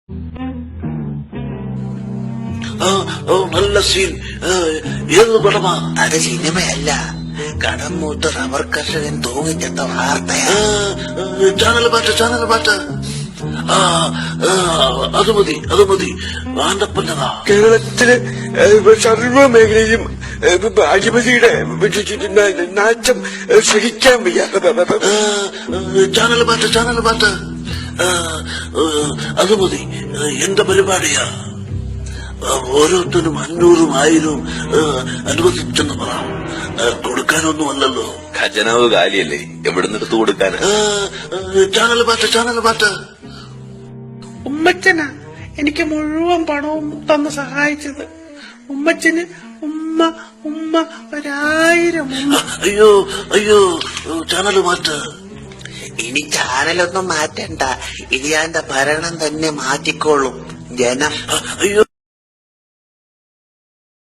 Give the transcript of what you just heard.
നല്ല സീൻ. ഏത് പടമാ? അത് സിനിമയല്ല, കടം മൂത്ത് റബ്ബർ കർഷകൻ തൂങ്ങിച്ചെത്ത വാർത്തയാ. ചാനൽ പാട്ട്. അത് മതി. വാണ്ടപ്പന്നതാ. കേരളത്തിലെ സർവ മേഖലയും അഴിമതിയുടെ നാശം സഹിക്കാൻ വയ്യ. ചാനൽ പാട്ട്. അത് മതി. എന്റെ പരിപാടിയാ. ഓരോരുത്തരും 500 1000 അനുവദിച്ചെന്ന് പറ. കൊടുക്കാനൊന്നുമല്ലല്ലോ. ഖജനാവ് കാലിയല്ലേ, എവിടുന്നെടുത്ത് കൊടുക്കാനാ? ചാനൽ പാട്ട്. ഉമ്മച്ചനാ എനിക്ക് മുഴുവൻ പണവും തന്ന് സഹായിച്ചത്. ഉമ്മച്ചന് ഉമ്മ 1000 ഉമ്മ. അയ്യോ ചാനൽ മാറ്റ്. ഇനി ചാനലൊന്നും മാറ്റണ്ട, ഇലിയാന്റെ ഭരണം തന്നെ മാറ്റിക്കോളും ജനം. അയ്യോ